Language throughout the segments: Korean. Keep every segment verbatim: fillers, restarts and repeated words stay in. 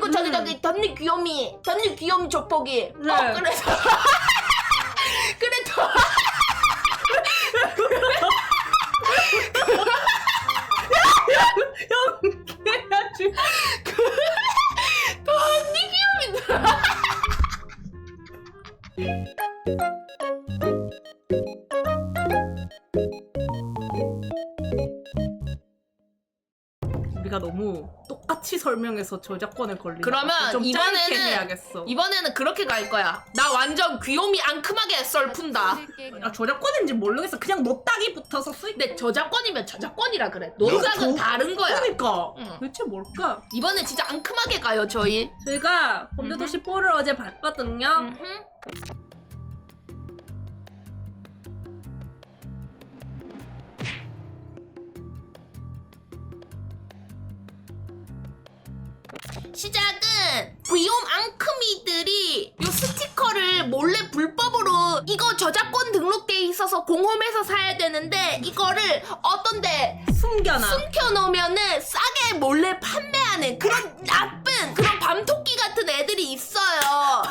그리고 저기 음. 저기 덧니 귀요미 덧니 귀요미 조폭이 네. 어 그래서 그래도 연기해야지. 덧니 귀요미다. 우리가 너무 똑같이 설명해서 저작권에 걸리는 그러면 좀 짧게 이번에는 해야겠어. 이번에는 그렇게 갈 거야. 나 완전 귀요미 앙큼하게 썰 푼다. 아, 저작권인지 모르겠어. 그냥 노딱이 붙어서 수익. 근데 저작권이면 저작권이라 그래. 노작은 저- 다른 거야. 그러니까 응. 대체 뭘까? 이번에 진짜 앙큼하게 가요 저희. 저희가 범죄도시 사를 어제 봤거든요. 음흠. 시작은 귀여운 앙큼이들이 요 스티커를 몰래 불법으로 이거 저작권 등록돼 있어서 공홈에서 사야 되는데 이거를 어떤데 숨겨놔. 숨겨놓으면은 싸게 몰래 판매하는 그런 나쁜 그런 밤토끼 같은 애들이 있어요.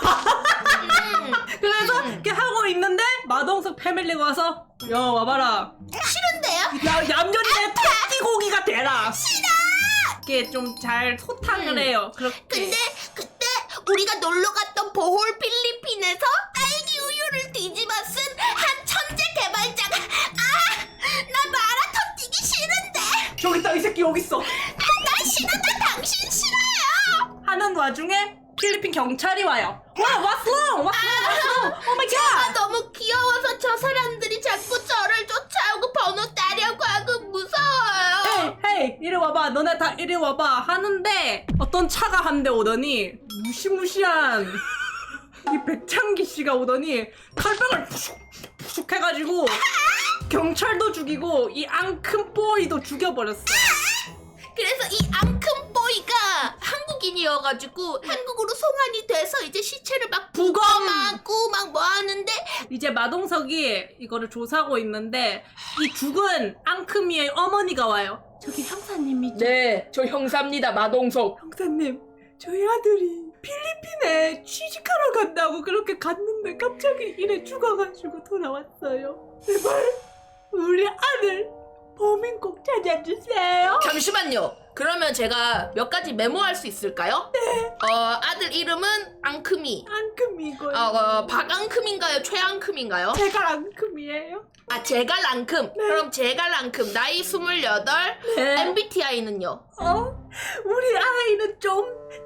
음, 그래서 이렇게 하고 있는데 마동석 패밀리가 와서 야 와봐라. 싫은데요? 야 얌전히 내 토끼고기가 되라. 싫어. 이렇게 좀 잘 소탕을 음. 해요. 그렇게. 근데 그때 우리가 놀러 갔던 보홀 필리핀에서 딸기 우유를 뒤집어 쓴 한 천재 개발자가 아! 나 마라톤 뛰기 싫은데 저기 있다 이 새끼 여기 있어. 나 싫어 나 당신 싫어요 하는 와중에 필리핀 경찰이 와요. 와 what's wrong? What's wrong? What's wrong? Oh my 제가 god. 너무 귀여워서 저 사람들이 자꾸 저를 쫓아오고 번호 따려고 하고 무서워요. 헤이 헤이 이리 와봐. 너네 다 이리 와봐 하는데 어떤 차가 한 대 오더니 무시무시한 이 백창기 씨가 오더니 칼빵을 푸슉 푸슉 해가지고 경찰도 죽이고 이 앙큼 보이도 죽여버렸어. 그래서 이 앙큼 보이가 한국인이어가지고 한국으로 송환이 돼서 이제 시체를 막 부검하고 막 뭐 하는데 이제 마동석이 이거를 조사하고 있는데 이 죽은 앙큼이의 어머니가 와요. 저기 형사님이죠? 네, 저 형사입니다, 마동석. 형사님, 저희 아들이 필리핀에 취직하러 간다고 그렇게 갔는데 갑자기 이래 죽어가지고 돌아왔어요. 제발 우리 아들 범인 꼭 찾아주세요. 잠시만요. 그러면 제가 몇 가지 메모할 수 있을까요? 네. 어, 아들 이름은 앙큼이. 앙큼이고요. 어, 어 박앙큼인가요? 최앙큼인가요? 제가 앙큼이에요. 아, 제갈 앙큼. 네. 그럼 제갈 앙큼. 나이 스물여덟. 네. 엠비티아이는요? 어? 우리 아이는 좀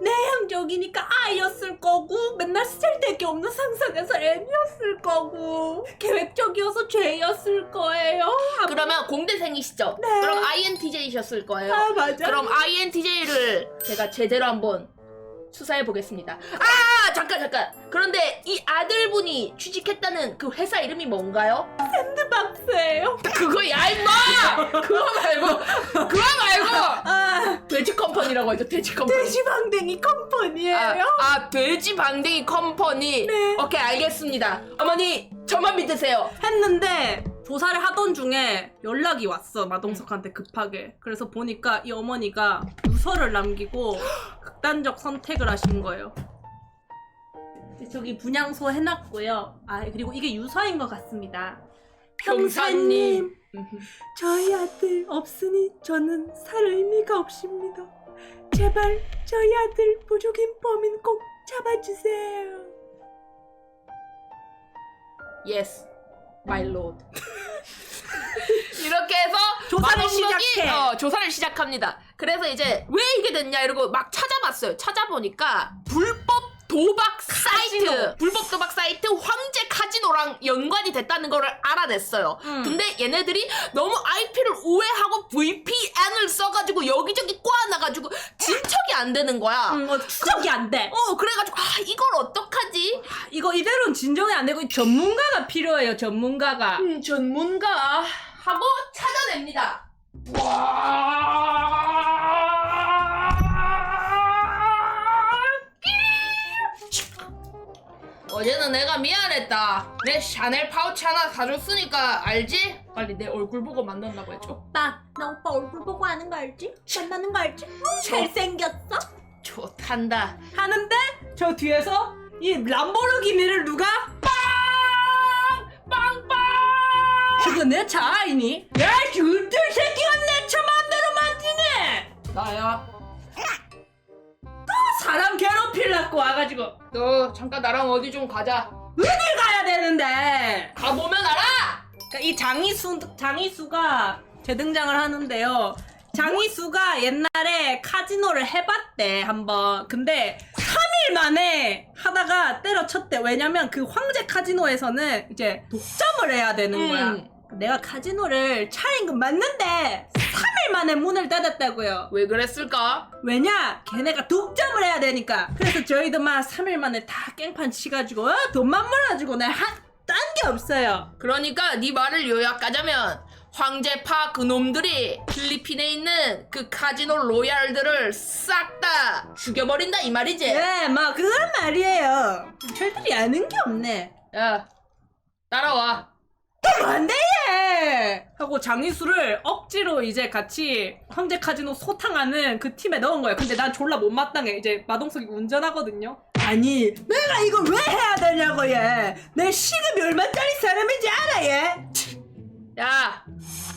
내향적이니까 아이였을 거고 맨날 쓸데기 없는 상상해서 M이었을 거고 계획적이어서 J였을 거예요. 그러면 공대생이시죠? 네. 그럼 아이엔티제이셨을 거예요. 아 맞아. 그럼 아이엔티제이를 제가 제대로 한번 수사해 보겠습니다. 아 잠깐 잠깐. 그런데 이 아들분이 취직했다는 그 회사 이름이 뭔가요? 샌드박스예요. 그거야 임마! 그거 말고 그거 말고 아 돼지 컴퍼니라고 하죠. 돼지 컴퍼니. 돼지방댕이 컴퍼니예요. 아, 아 돼지 방댕이 컴퍼니. 네. 오케이 알겠습니다. 어머니 저만 믿으세요. 했는데 조사를 하던 중에 연락이 왔어. 마동석한테 급하게. 그래서 보니까 이 어머니가 유서를 남기고 극단적 선택을 하신 거예요. 저기 분향소 해놨고요. 아 그리고 이게 유서인 것 같습니다. 형사님. 저희 아들 없으니 저는 살 의미가 없습니다. 제발 저희 아들 부족인 범인 꼭 잡아주세요. Yes, my lord. 이렇게 해서 조사를 마동석이, 시작해. 어, 조사를 시작합니다. 그래서 이제 왜 이게 됐냐 이러고 막 찾아봤어요. 찾아보니까 불법 도박 사이트, 카지노. 불법 도박 사이트 황제 카지노랑 연관이 됐다는 거를 알아냈어요. 음. 근데 얘네들이 너무 아이피를 우회하고 브이피엔을 써가지고 여기저기 꼬아놔가지고 진척이 안 되는 거야. 음, 어, 추적이 안 돼. 어 그래가지고 아 이걸 어떡하지? 이거 이대로는 진정이 안 되고 전문가가 필요해요. 전문가가. 음, 전문가 하고 찾아냅니다. 어제는 내가 미안했다. 내 샤넬 파우치 하나 사줬으니까 알지? 빨리 내 얼굴 보고 만난다고 해줘. 오빠, 나 오빠 얼굴 보고 아는 거 알지? 만나는 거 알지? 잘생겼어? 좋단다. 하는데 저 뒤에서 이 람보르기니를 누가 빵빵빵 그거 내 차 아니니? 야 그들 새끼가 내 차 맘대로 만지네. 나야. 또 사람 괴롭히려고 와가지고 너 잠깐 나랑 어디 좀 가자. 어딜 가야 되는데? 가보면 알아. 그러니까 이 장이수 장이수가 재등장을 하는데요. 장이수가 옛날에 카지노를 해봤대 한번. 근데 삼 일 만에 하다가 때려쳤대. 왜냐면 그 황제 카지노에서는 이제 독점을 해야 되는 거야. 음. 내가 카지노를 차린 건 맞는데 삼 일 만에 문을 닫았다고요. 왜 그랬을까? 왜냐? 걔네가 독점을 해야 되니까. 그래서 저희도 막 삼 일 만에 다 깽판 치가지고 어? 돈만 몰아주고 내가 딴 게 없어요. 그러니까 네 말을 요약하자면 황제파 그놈들이 필리핀에 있는 그 카지노 로얄들을 싹 다 죽여버린다 이 말이지? 예, 막 그런 말이에요. 철들이 아는 게 없네. 야 따라와. 뭔데 얘? 하고 장이수를 억지로 이제 같이 황제 카지노 소탕하는 그 팀에 넣은 거예요. 근데 난 졸라 못마땅해. 이제 마동석이 운전하거든요. 아니 내가 이걸 왜 해야 되냐고 얘. 내 시급이 얼마짜리 사람인지 알아 얘? 야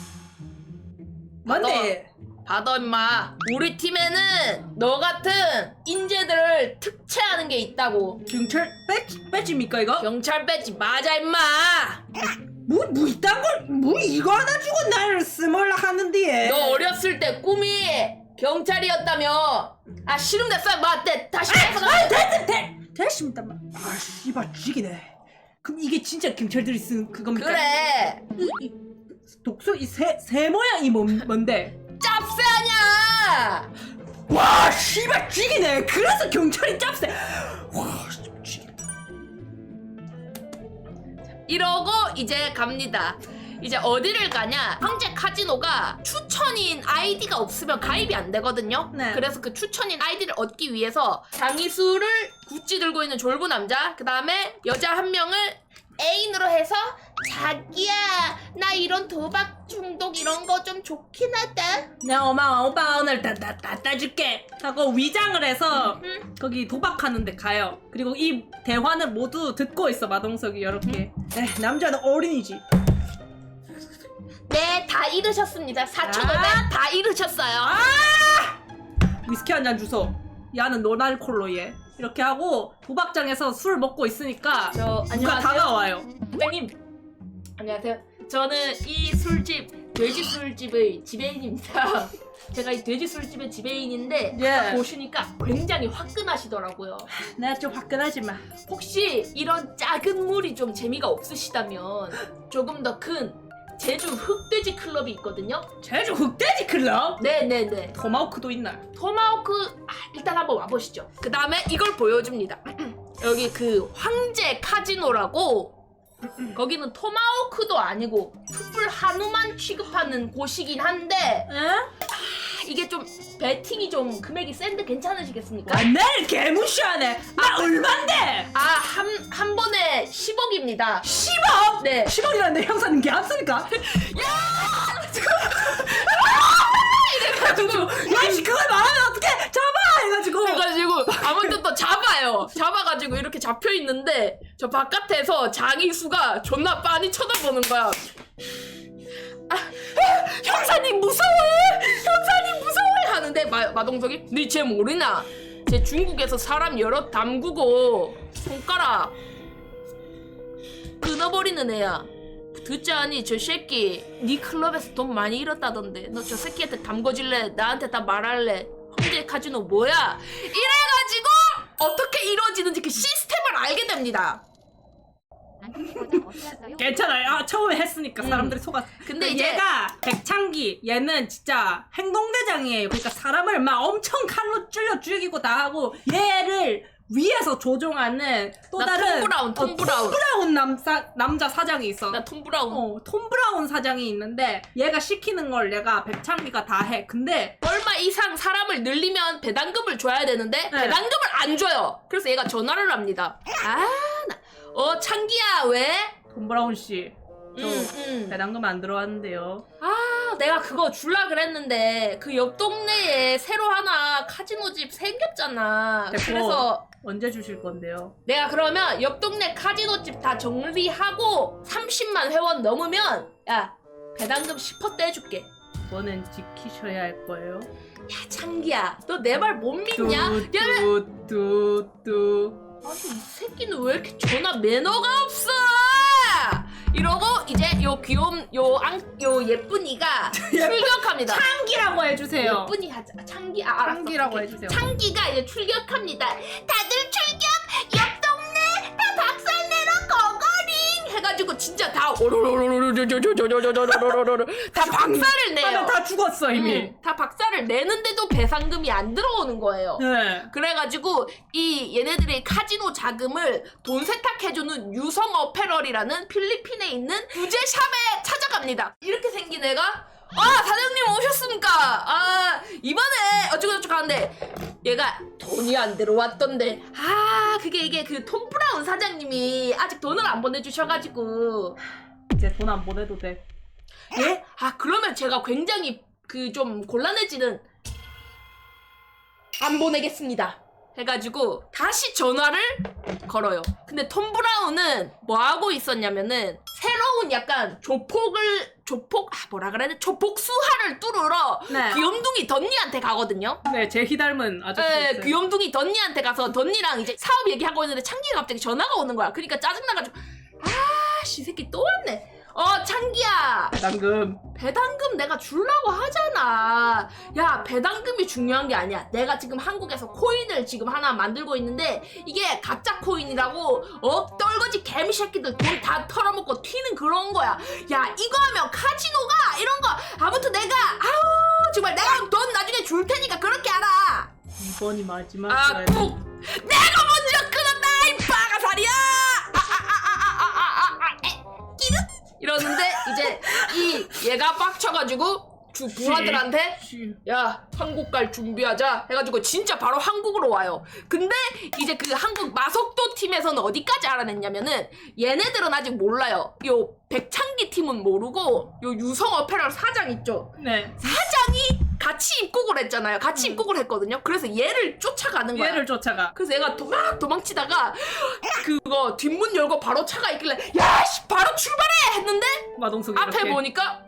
뭔데? 받아 임마. 우리 팀에는 너 같은 인재들을 특채하는 게 있다고. 경찰 배지, 배지입니까 이거? 경찰 배지 맞아 임마. 뭐, 뭐 이딴 걸, 뭐 이거 하나 주고 나를 쓰몰라 하는데 얘. 너 어렸을 때 꿈이 경찰이었다며. 아 싫은데 맞대 다시 해서 아, 됐, 됐, 됐습니다. 아, 씨발 죽이네. 그럼 이게 진짜 경찰들이 쓴 그겁니까? 그래. 이, 이 독소 이새 새 모양이 뭔, 뭔데? 짭새 아냐. 와, 씨발 죽이네. 그래서 경찰이 짭새. 와, 씨발 죽이네. 이러고 이제 갑니다. 이제 어디를 가냐? 황제 카지노가 추천인 아이디가 없으면 가입이 안 되거든요. 네. 그래서 그 추천인 아이디를 얻기 위해서 장이수를 구찌 들고 있는 졸부 남자, 그 다음에 여자 한 명을 애인으로 해서 자기야 나 이런 도박 중독 이런 거 좀 좋긴 하다. 내 엄마 오빠 오늘 다다 다 따줄게 하고 위장을 해서 응? 거기 도박하는데 가요. 그리고 이 대화는 모두 듣고 있어 마동석이 이렇게. 에 남자는 어린이지. 네, 다 잃으셨습니다. 사천오백 아! 다 잃으셨어요. 위스키 한 잔 주소. 야는 노날콜로 얘. 이렇게 하고 도박장에서 술 먹고 있으니까 저 누가 다가와요. 선생님 안녕하세요. 저는 이 술집 돼지 술집의 지배인입니다. 제가 이 돼지 술집의 지배인인데 예. 딱 보시니까 굉장히 화끈하시더라고요. 내가 좀 화끈하지만 혹시 이런 작은 물이 좀 재미가 없으시다면 조금 더 큰 제주 흑돼지 클럽이 있거든요. 제주 흑돼지 클럽? 네네네. 토마호크도 있나? 토마호크 아, 일단 한번 와보시죠. 그 다음에 이걸 보여줍니다. 여기 그 황제 카지노라고 거기는 토마호크도 아니고 풋불 한우만 취급하는 곳이긴 한데 에? 이게 좀 베팅이 좀 금액이 센데 괜찮으시겠습니까? 와, 나를 개무시하네. 나 얼만데? 아 한 한 번에 십억입니다. 십억? 네. 십억이라는데 형사님 개 합습니까? 이래가지고 야씨 그걸 말하면 어떡해 잡아 해가지고 그래가지고 아무튼 또 잡아요. 잡아가지고 이렇게 잡혀 있는데 저 바깥에서 장이수가 존나 빤히 쳐다보는 거야. 아, 아, 형사님 무서워해! 형사님 무서워해! 하는데 마, 마동석이 니 쟤 모르나? 쟤 중국에서 사람 여럿 담그고 손가락 끊어버리는 애야. 듣지 않니? 저 새끼 니 클럽에서 돈 많이 잃었다던데 너 저 새끼한테 담궈질래? 나한테 다 말할래? 황제 카지노 뭐야? 이래가지고 어떻게 이루어지는지 그 시스템을 알게 됩니다. 괜찮아요. 아, 처음에 했으니까 사람들이 속았어. 근데 근데 이제- 얘가 백창기 얘는 진짜 행동대장이에요. 그러니까 사람을 막 엄청 칼로 찔러 죽이고 다 하고 얘를 위에서 조종하는 또 나 다른 톰 브라운, 톰 어, 브라운. 톰 브라운 남사, 남자 사장이 있어. 나 톰 브라운. 어, 톰 브라운 사장이 있는데 얘가 시키는 걸 얘가 백창기가 다 해. 근데 얼마 이상 사람을 늘리면 배당금을 줘야 되는데 네. 배당금을 안 줘요. 그래서 얘가 전화를 합니다. 아, 나, 어 창기야 왜? 톰 브라운 씨, 저 음, 음. 배당금 안 들어왔는데요. 아, 아 내가 그거 줄라 그랬는데 그 옆 동네에 새로 하나 카지노 집 생겼잖아. 됐고. 그래서 언제 주실 건데요? 내가 그러면 옆 동네 카지노 집 다 정리하고 삼십만 회원 넘으면 야 배당금 십 퍼센트 떼줄게. 그거는 지키셔야 할 거예요. 야 창기야 너 내 말 못 믿냐? 야 뚜뚜뚜뚜. 아니 이 새끼는 왜 이렇게 전화 매너가 없어? 이러고 이제 요 귀여운 요앙요 예쁜이가 출격합니다. 창기라고 해주세요. 예쁜이 하자. 창기 아 알았어. 창기라고 오케이. 해주세요. 창기가 이제 출격합니다. 다들 출격! 옆 동네 다 박살내러 거거링! 해가지고 진짜 다 오로로로로로로로로로로로로로로로 다 박살을 내요. 다들 다 죽었어 이미. 응, 다 박살을 내는데도 배상금이 안 들어오는 거예요. 네. 그래가지고 이 얘네들의 카지노 자금을 돈 세탁해주는 유성 어페럴이라는 필리핀에 있는 부제샵에 찾아갑니다. 이렇게 생긴 애가 아 사장님 오셨습니까? 아 이번에 어쩌고저쩌고 하는데 얘가 돈이 안 들어왔던데 아 그게 이게 그 톰 브라운 사장님이 아직 돈을 안 보내주셔가지고 이제 돈 안 보내도 돼. 예? 아 그러면 제가 굉장히 그 좀 곤란해지는 안 보내겠습니다 해가지고 다시 전화를 걸어요. 근데 톰 브라운은 뭐 하고 있었냐면은 새로운 약간 조폭을 조폭 아 뭐라 그래야 돼 조폭 수하를 뚫으러 네. 귀염둥이 던니한테 가거든요. 네, 제희 닮은 아저씨 네, 있어요. 귀염둥이 던니한테 가서 던니랑 이제 사업 얘기하고 있는데 창기가 갑자기 전화가 오는 거야. 그러니까 짜증나가지고 아씨 이 새끼 또 왔네. 어 창기야 방금 배당금 내가 주려고 하잖아. 야 배당금이 중요한 게 아니야. 내가 지금 한국에서 코인을 지금 하나 만들고 있는데 이게 가짜 코인이라고 어 떨거지 개미 새끼들 돈 다 털어먹고 튀는 그런 거야. 야 이거 하면 카지노가 이런 거 아무튼 내가 아우 정말 내가 돈 나중에 줄 테니까 그렇게 알아. 이번이 마지막이야. 아꼭 내가 먼저 끊었다 이 빠가살이야. 이러는데 이제 이 얘가 빡쳐가지고 주 부하들한테 야 한국 갈 준비하자 해가지고 진짜 바로 한국으로 와요. 근데 이제 그 한국 마석도 팀에서는 어디까지 알아냈냐면은 얘네들은 아직 몰라요. 요 백창기 팀은 모르고 요 유성 어페럴 사장 있죠. 네. 사장이 같이 입국을 했잖아요. 같이 음. 입국을 했거든요. 그래서 얘를 쫓아가는 거야. 얘를 쫓아가. 그래서 얘가 도망 도망치다가 그거 뒷문 열고 바로 차가 있길래 야씨 바로 출발해 했는데 마동석이 앞에 이렇게. 보니까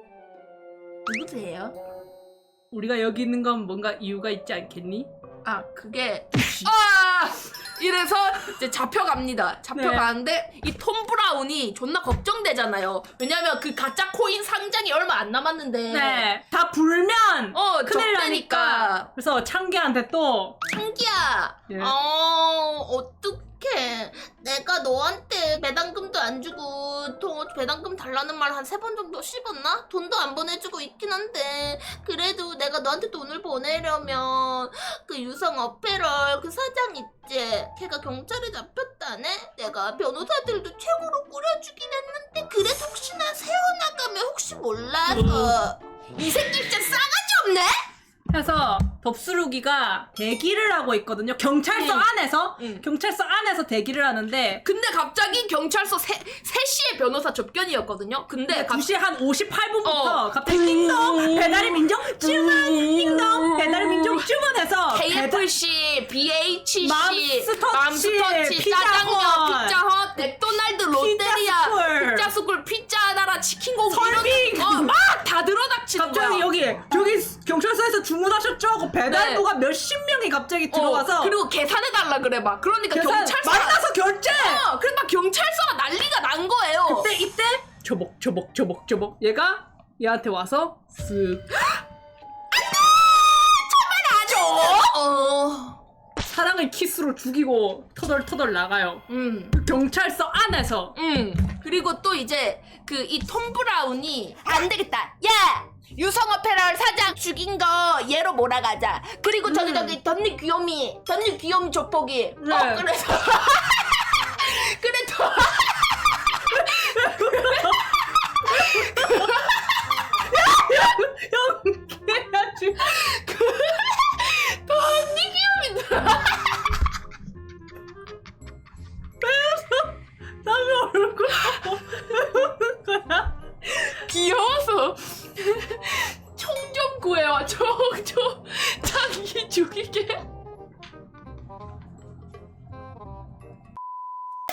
누구세요? 우리가 여기 있는 건 뭔가 이유가 있지 않겠니? 아 그게 아 이래서 이제 잡혀갑니다. 잡혀가는데 이 톰 브라운이 존나 걱정되잖아요. 왜냐면 그 가짜 코인 상장이 얼마 안 남았는데 네. 다 불면 어 큰일 적대니까. 나니까. 그래서 창기한테 또 창기야, 예. 어, 어떡해. 내가 너한테 배당금도 안 주고 돈 배당금 달라는 말 한 세 번 정도 씹었나? 돈도 안 보내주고 있긴 한데 그래도 내가 너한테 돈을 보내려면 그 유성 어페럴 그 사장 있지? 걔가 경찰에 잡혔다네? 내가 변호사들도 최고로 꾸려주긴 했는데 그래도 혹시나 세워나가면 혹시 몰라서 이 새끼 진짜 싸가지 없네? 해서 덥수루기가 대기를 하고 있거든요. 경찰서 응. 안에서 응. 경찰서 안에서 대기를 하는데 근데 갑자기 경찰서 세, 세 시에 변호사 접견이었거든요. 근데 갑- 두 시 한 오십팔 분부터 어. 갑자기 띵동 배달의 민족 주문 띵동 배달의 민족 주문해서 배달 케이에프씨, 비에이치씨, 맘스터치, 맘스터치, 피자헛, 짜장면, 피자헛, 맥도날드, 롯데리아, 피자스쿨, 피자스쿨, 피자 나라, 치킨고기 설빙! 이런 어, 막 다 들어닥치는 거야. 갑자기 여기 여기 경찰서에서 주문하셨죠? 하고 배달부가 네. 몇십 명이 갑자기 어, 들어가서 그리고 계산해달라 그래 막. 그러니까 계산 경찰서 만나서 결제. 어, 그래서 막 경찰서가 난리가 난 거예요. 그때 이때 저벅 저벅 저벅 저벅 얘가 얘한테 와서 쓱 맞아. 어. 사랑을 키스로 죽이고 터덜터덜 나가요. 음. 그 경찰서 안에서 음. 그리고 또 이제 그 이 톰 브라운이 안 되겠다. 야! 유성 어페럴 사장 죽인 거 얘로 몰아가자. 그리고 저기 음. 저기 덧니 귀요미, 덧니 귀요미 조폭이. 네. 어 그래서 그래도 형 해야지. 덧니 귀요미더라. 남의 얼굴 보는 거야. 귀여워서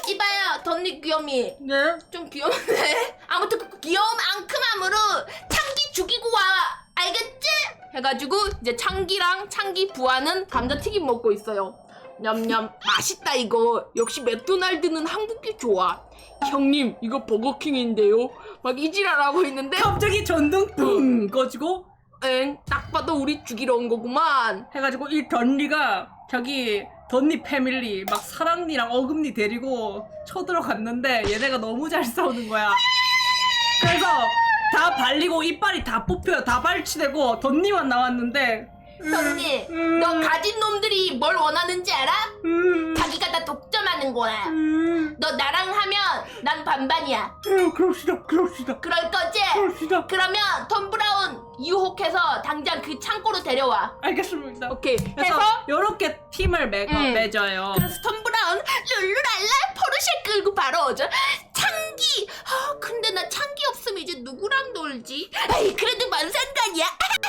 이봐요 덧니 귀염이 네? 좀 귀여운데 아무튼 그 귀여움 앙큼함으로 창기 죽이고 와 알겠지? 해가지고 이제 창기랑 창기 부하는 감자튀김 먹고 있어요. 냠냠 맛있다 이거. 역시 맥도날드는 한국이 좋아. 형님 이거 버거킹인데요. 막 이지랄하고 있는데 갑자기 전등 뿡 꺼지고 엥 딱 봐도 우리 죽이러 온 거구만. 해가지고 이 던니가 자기 던니 패밀리 막 사랑니랑 어금니 데리고 쳐들어갔는데 얘네가 너무 잘 싸우는 거야. 그래서 다 발리고 이빨이 다 뽑혀요. 다 발치되고 던니만 나왔는데 덧니 음. 너 가진 놈들이 뭘 원하는지 알아? 음, 자기가 다 독점하는 거야 음, 너 나랑 하면 난 반반이야 음, 그럽시다 그럽시다 그럴 거지? 그럽시다. 그러면 톰 브라운 유혹해서 당장 그 창고로 데려와 알겠습니다. 오케이 그래서 해서 요렇게 팀을 매, 음. 맺어요. 그래서 톰 브라운 룰루랄라 포르쉐 끌고 바로 오죠 창기 아 근데 나 창기 없으면 이제 누구랑 놀지? 에이 그래도 뭔 상관이야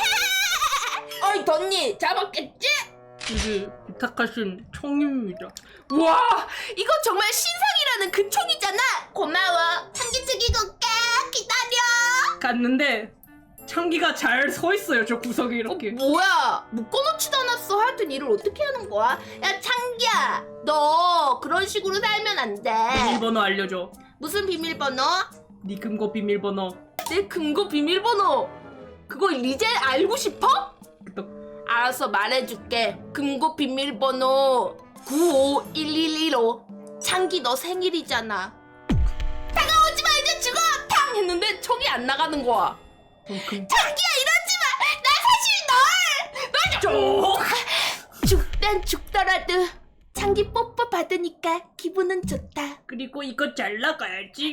어이 덧니 잡았겠지? 이게 부탁하신 총입니다. 우와 이거 정말 신상이라는 그 총이잖아 고마워 창기 죽이고 올게 기다려 갔는데 창기가 잘 서 있어요. 저 구석에 이렇게. 뭐야 묶어놓지도 않았어 하여튼 일을 어떻게 하는 거야 야 창기야 너 그런 식으로 살면 안돼 비밀번호 알려줘. 무슨 비밀번호? 네 금고 비밀번호. 내 금고 비밀번호 그거 이제 알고 싶어? 알았어 말해줄게 금고 비밀번호 구오일일일오 창기 너 생일이잖아 다가오지 마 이제 죽어 탕 했는데 총이 안 나가는 거야. 그럼 금... 창기야 이러지 마나 사실 널널 죽단 죽더라도 창기 뽀뽀 받으니까 기분은 좋다 그리고 이거 잘 나가야지.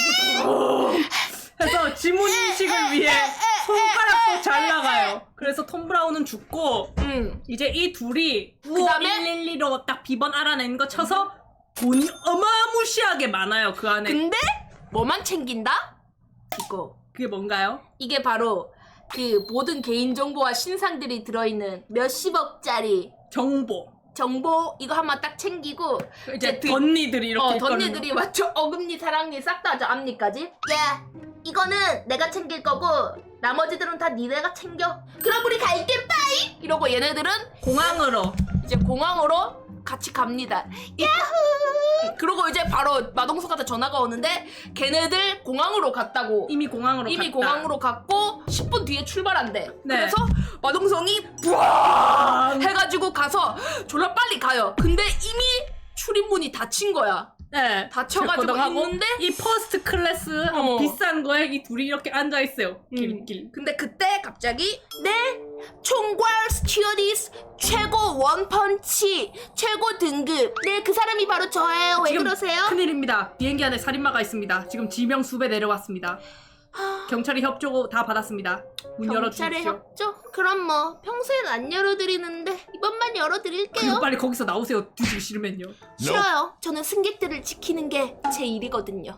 해서 지문 인식을 위해 손가락도 잘 나가요. 그래서 톰 브라운은 죽고 응. 이제 이 둘이 그다음에? 구오일일이로 딱 비번 알아낸 거 쳐서 돈이 어마무시하게 많아요. 그 안에. 근데 뭐만 챙긴다? 이거. 그게 뭔가요? 이게 바로 그 모든 개인정보와 신상들이 들어있는 몇십억짜리 정보. 정보 이거 한번 딱 챙기고 이제 드- 던니들이 이렇게 어, 있거든요. 던니들이 맞죠? 어금니 사랑니 싹 다 저 앞니까지. 야 이거는 내가 챙길 거고 나머지들은 다 니네가 챙겨 그럼 우리 갈게 빠이 이러고 얘네들은 공항으로. 이제 공항으로 같이 갑니다. 야호! 그러고 이제 바로 마동석한테 전화가 오는데 걔네들 공항으로 갔다고. 이미 공항으로 이미 갔다. 공항으로 갔고 십 분 뒤에 출발한대. 네. 그래서 마동성이 부아 해가지고 가서 졸라 빨리 가요. 근데 이미 출입문이 닫힌 거야. 네. 닫혀가지고 하고 있는데 이 퍼스트 클래스 어. 비싼 거에 이 둘이 이렇게 앉아 있어요. 길길. 근데 그때 갑자기 네 총괄 스튜어디스 최고 원펀치 최고 등급 네 그 사람이 바로 저예요 왜 지금 그러세요? 큰일입니다. 비행기 안에 살인마가 있습니다. 지금 지명 수배 내려왔습니다. 경찰이 협조 다 받았습니다. 문 경찰에 열어주십시오. 협조? 그럼 뭐 평소엔 안 열어드리는데 이번만 그리고 열어드릴게요 빨리 거기서 나오세요. 뒤지기 싫으면요. 싫어요 저는 승객들을 지키는 게 제 일이거든요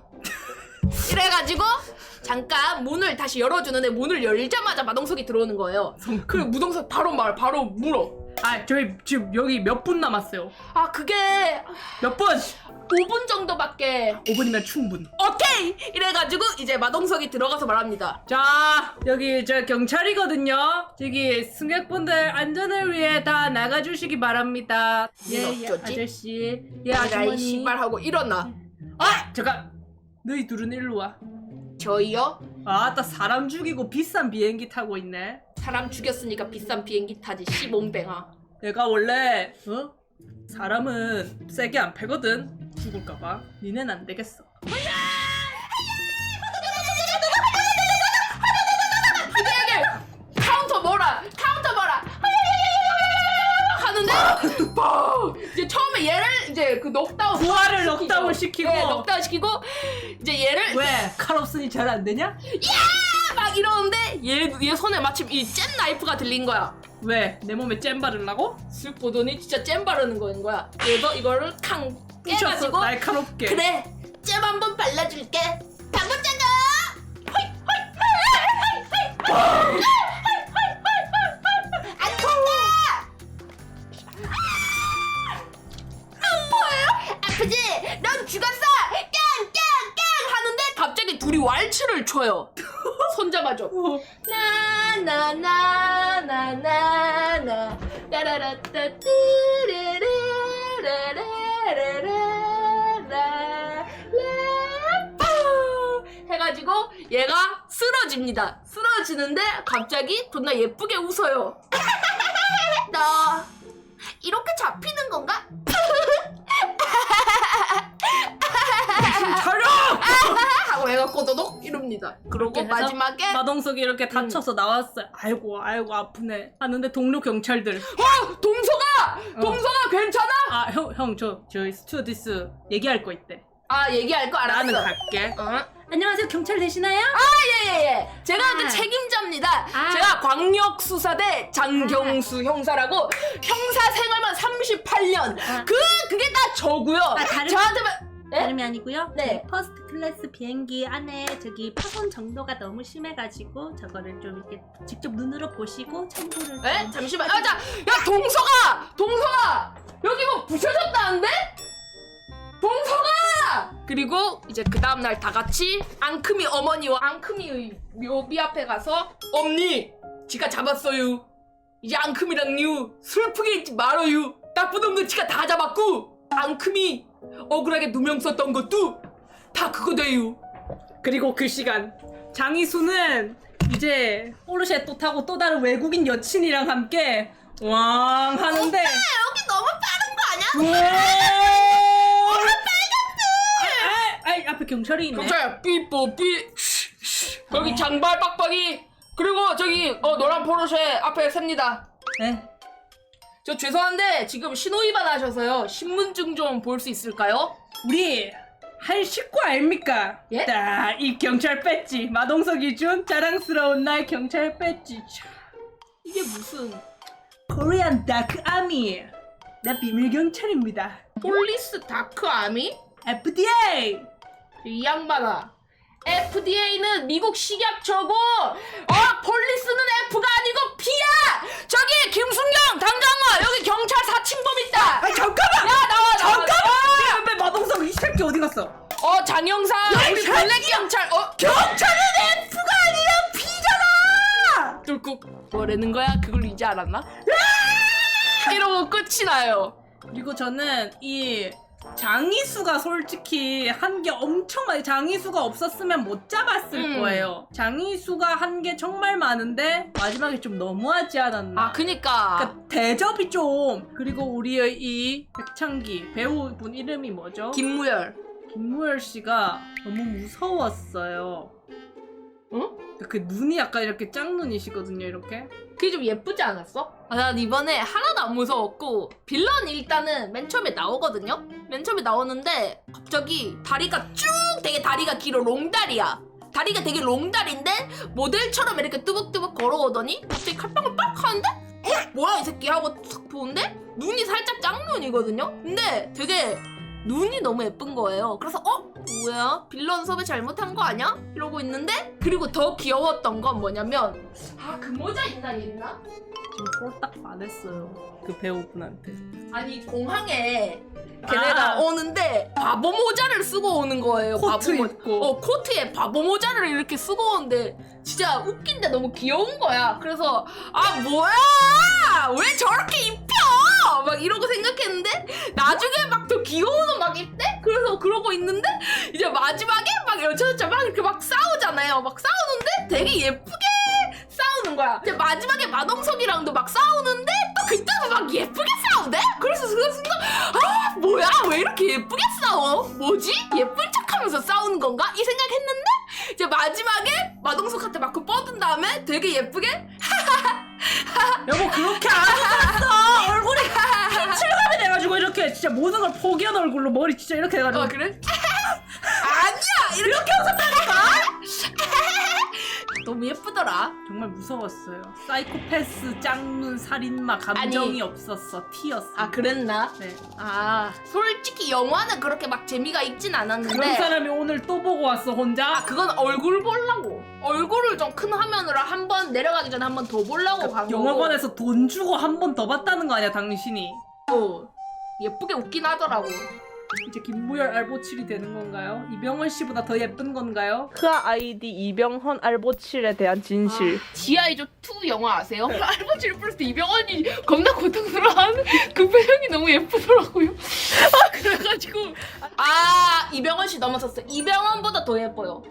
이래가지고 잠깐 문을 다시 열어주는데 문을 열자마자 마동석이 들어오는 거예요. 성큼. 그리고 무동석 바로 말 바로 물어. 아 저희 지금 여기 몇 분 남았어요. 아 그게 몇 분? 오 분 정도밖에. 오 분이면 충분. 오케이 이래가지고 이제 마동석이 들어가서 말합니다. 자 여기 저 경찰이거든요. 저기 승객분들 안전을 위해 다 나가주시기 바랍니다. 예, 예 어쩌지? 아저씨. 예 야이 아주머니. 씨발 하고 일어나. 아 잠깐. 너희 둘은 일로 와. 저희요? 아따 사람 죽이고 비싼 비행기 타고 있네. 사람 죽였으니까 비싼 비행기 타지 씨몸뱅아. 내가 원래 어? 사람은 세게 안 패거든. 죽을까봐. 니넨 안 되겠어. 기대하게 카운터 뭐라 카운터 뭐라 하는데 뻥! 이제 처음에 얘를 이제 그 넉다운 부하를 시키죠. 넉다운 시키고. 네, 넉다운 시키고 이제 얘를 왜? 칼 없으니 잘 안 되냐? 막 이러는데 얘, 얘 손에 마침 이 잼 나이프가 들린 거야. 왜? 내 몸에 잼 바르려고? 슥 보더니 진짜 잼 바르는 거인 거야. 그래서 이거를 캉 부셔서 깨가지고 날카롭게. 그래 잼 한번 발라줄게 당근장어 안 통과 아프지? 넌 죽었어 둘이 왈츠를 춰요. 손잡아줘. 나나나나나나나 따라라따 띠르르르르르르르르 해가지고 얘가 쓰러집니다. 쓰러지는데 갑자기 존나 예쁘게 웃어요. 나 이렇게 잡히는 건가? 차려! 하고 얘가 꼬도독 이럽니다. 그러고 이렇게 해서 마지막에 마동석이 이렇게 다쳐서 나왔어요. 아이고 아이고 아프네 하는데 동료 경찰들 어! 동서가! 동서가 괜찮아? 아 형 형 저 저희 스튜어디스 얘기할 거 있대. 아 얘기할 거 알았어. 나는 갈게. 어? 안녕하세요 경찰 되시나요? 예예예. 제가 그 아. 책임자입니다. 아. 제가 광역수사대 장경수 형사라고 형사 생활만 삼십팔 년. 아. 그 그게 다 저고요. 다른- 저한테만 네? 다름이 아니고요. 네. 저희 퍼스트 클래스 비행기 안에 저기 파손 정도가 너무 심해가지고 저거를 좀 이렇게 직접 눈으로 보시고 참고를. 에? 좀- 잠시만. 아, 자, 야 동서가, 동서가 여기 뭐 부셔졌다는데? 동서가! 그리고 이제 그 다음 날 다 같이 앙큼이 어머니와 앙큼이의 묘비 앞에 가서 엄니, 지가 잡았어요. 이제 앙큼이랑요 슬프게 있지 말아요. 나쁜 놈들 지가 다 잡았고 앙큼이 억울하게 누명 썼던 것도 다 그거 돼요. 그리고 그 시간 장이수는 이제 포르쉐 또 타고 또 다른 외국인 여친이랑 함께 왕 하는데 여기 너무 빠른 거 아니야? 와 빨갛대. 아, 아, 앞에 경찰이 있네. 경찰 삐뽀 삐 여기 장발 빡빡이 그리고 저기 어 노란 포르쉐 앞에 셉니다. 네. 저 죄송한데 지금 신호위반 하셔서요. 신분증 좀 볼 수 있을까요? 우리 한 식구 아닙니까? 예? 딱 이 경찰 배지 마동석이 준 자랑스러운 나의 경찰 배지. 차, 이게 무슨 코리안 다크 아미. 나 비밀 경찰입니다. 폴리스 다크 아미? 에프디에이. 이 양반아 에프디에이는 미국 식약처고 어 폴리스는 F가 아니고 P야. 저기 김순경 당장 와. 여기 경찰 사칭범 있다. 아 잠깐만. 야 나와 나와 잠깐만. 왜 마동석 이 새끼 어디 갔어? 어 장영사 야, 이 우리 새끼야! 블랙 경찰 어 경찰은 F가 아니라 P잖아. 뚫꾹 뭐라는 거야? 그걸 이제 알았나? 이러고 끝이 나요. 그리고 저는 이 장이수가 솔직히 한 게 엄청 많아요. 장이수가 없었으면 못 잡았을 음. 거예요. 장이수가 한 게 정말 많은데 마지막에 좀 너무하지 않았나. 아 그니까 그러니까 대접이 좀. 그리고 우리의 이 백창기 배우분 이름이 뭐죠? 김무열 김무열 씨가 너무 무서웠어요. 응? 그 눈이 약간 이렇게 짝눈이시거든요, 이렇게. 그게 좀 예쁘지 않았어? 아, 난 이번에 하나도 안 무서웠고 빌런 일단은 맨 처음에 나오거든요? 맨 처음에 나오는데 갑자기 다리가 쭉 되게 다리가 길어 롱다리야. 다리가 되게 롱다리인데 모델처럼 이렇게 뚜벅뚜벅 걸어오더니 갑자기 칼빵을 빡 하는데 어? 뭐야 이 새끼 하고 탁 보는데 눈이 살짝 짝눈이거든요? 근데 되게 눈이 너무 예쁜 거예요. 그래서 어? 뭐야? 빌런 섭외 잘못한 거 아니야? 이러고 있는데 그리고 더 귀여웠던 건 뭐냐면 아 그 모자 있나 있나? 지금 홀딱 반했어요. 그 배우분한테. 아니 공항에 걔네가 아. 오는데 바보 모자를 쓰고 오는 거예요. 코트 바보 모- 입고. 어 코트에 바보 모자를 이렇게 쓰고 오는데 진짜 웃긴데 너무 귀여운 거야. 그래서 아 뭐야? 왜 저렇게 입혀? 막 이러고 생각했는데 나중에 막 더 귀여운 옷 막 입대? 그래서 그러고 있는데 이제 마지막에 막 여자여자 막 이렇게 막 싸우잖아요. 막 싸우는데 되게 예쁘게 싸우는 거야. 이제 마지막에 마동석이랑도 막 싸우는데 또 그때도 막 예쁘게 싸우대? 그래서 그 순간 아 뭐야 왜 이렇게 예쁘게 싸워? 뭐지? 예쁜 척하면서 싸우는 건가? 이 생각했는데 이제 마지막에 마동석한테 막 그 뻗은 다음에 되게 예쁘게 여보 그렇게 안 웃었어. 얼굴이 칠감이 돼가지고 이렇게 진짜 모든 걸 포기한 얼굴로 머리 진짜 이렇게 해가지고. 어 그래? 아니야 이렇게 웃었다니까? 너무 예쁘더라. 정말 무서웠어요. 사이코패스 짱눈 살인마 감정이 아니. 없었어. 티였어. 아 그랬나? 네. 아 솔직히 영화는 그렇게 막 재미가 있진 않았는데 그런 사람이 오늘 또 보고 왔어 혼자. 아 그건 얼굴 보려고 얼굴을 좀 큰 화면으로 한 번 내려가기 전에 한 번 더 보려고 간 거고 영화관에서 돈 주고 한 번 더 봤다는 거 아니야 당신이? 어, 예쁘게 웃긴 하더라고. 이제 김무열 알보칠이 되는 건가요? 이병헌 씨보다 더 예쁜 건가요? 흐아 아이디 이병헌 알보칠에 대한 진실. 지아이조 투 영화 아세요? 알보치를 부를 때 이병헌이 겁나 고통스러워하는 그 표정이 너무 예쁘더라고요. 아, 그래가지고 아 이병헌 씨 넘어섰어요. 이병헌보다 더 예뻐요.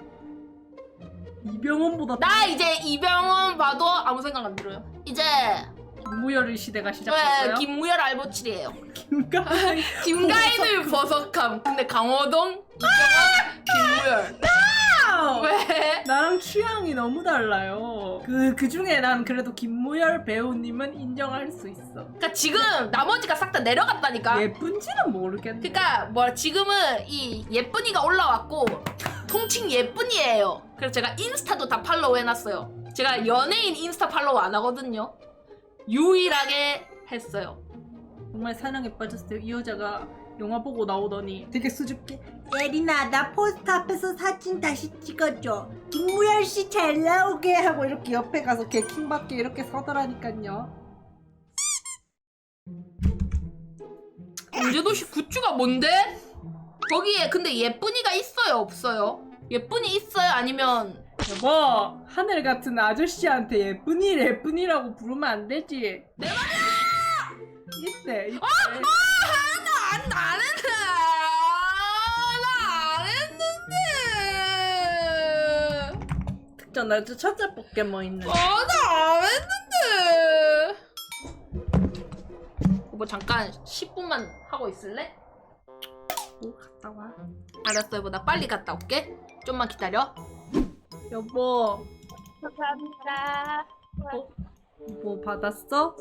이병헌보다 나 이제 이병헌 봐도 아무 생각 안 들어요. 이제 김무열 시대가 네, 시작됐어요. 김무열 알보칠이에요. 김가희 김가인을 버석함. 근데 강호동, 이병헌, 김무열. 왜? 나랑 취향이 너무 달라요. 그, 그 중에 난 그래도 김무열 배우님은 인정할 수 있어. 그러니까 지금 나머지가 싹 다 내려갔다니까. 예쁜지는 모르겠는데. 그러니까 뭐 지금은 이 예쁜이가 올라왔고 통칭 예쁜이에요. 그래서 제가 인스타도 다 팔로우 해놨어요. 제가 연예인 인스타 팔로우 안 하거든요. 유일하게 했어요. 정말 사랑에 빠졌어요. 이 여자가 영화 보고 나오더니 되게 수줍게 예린아 나 포스터 앞에서 사진 다시 찍어줘. 김무열 씨 잘 나오게 하고 이렇게 옆에 가서 걔 킹받게 이렇게 서더라니까요. 언제도시 굿즈가 뭔데? 거기에 근데 예쁜이가 있어요 없어요? 예쁜이 있어요 아니면 여보 하늘 같은 아저씨한테 예쁜이 예쁜이라고 부르면 안 되지. 내 말이야! 이때 이때. 안, 안 했는데 나안 했는데 특전 나 첫째 포켓몬 있는. 아나안 했는데 뭐 잠깐 십 분만 하고 있을래? 오 갔다 와. 알았어 여보 나 빨리 갔다 올게 좀만 기다려. 여보 감사합니다. 뭐 받았어?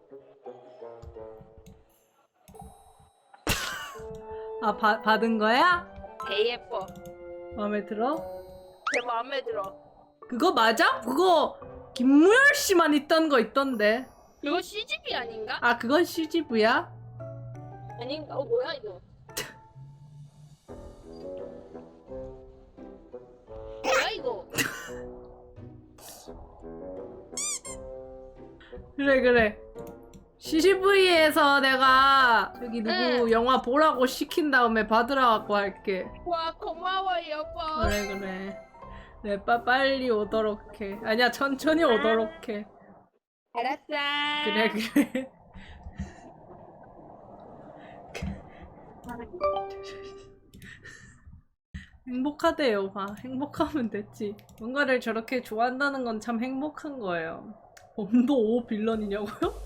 아 바, 받은 거야? 개 예뻐. 마음에 들어? 제 마음에 들어. 그거 맞아? 그거 김무열 씨만 있던 거 있던데. 이거 씨지비 아닌가? 아 그건 씨지브야? 아닌가? 어 뭐야 이거? 뭐야 이거? 그래 그래. 씨지브이에서 내가 여기 누구 응. 영화 보라고 시킨 다음에 받으라고 할게. 와 고마워 여보. 그래 그래. 네, 빠 빨리 오도록 해. 아니야 천천히 오도록 해. 알았어. 그래 그래. 행복하대요. 봐. 행복하면 됐지. 뭔가를 저렇게 좋아한다는 건 참 행복한 거예요. 범도 오 빌런이냐고요?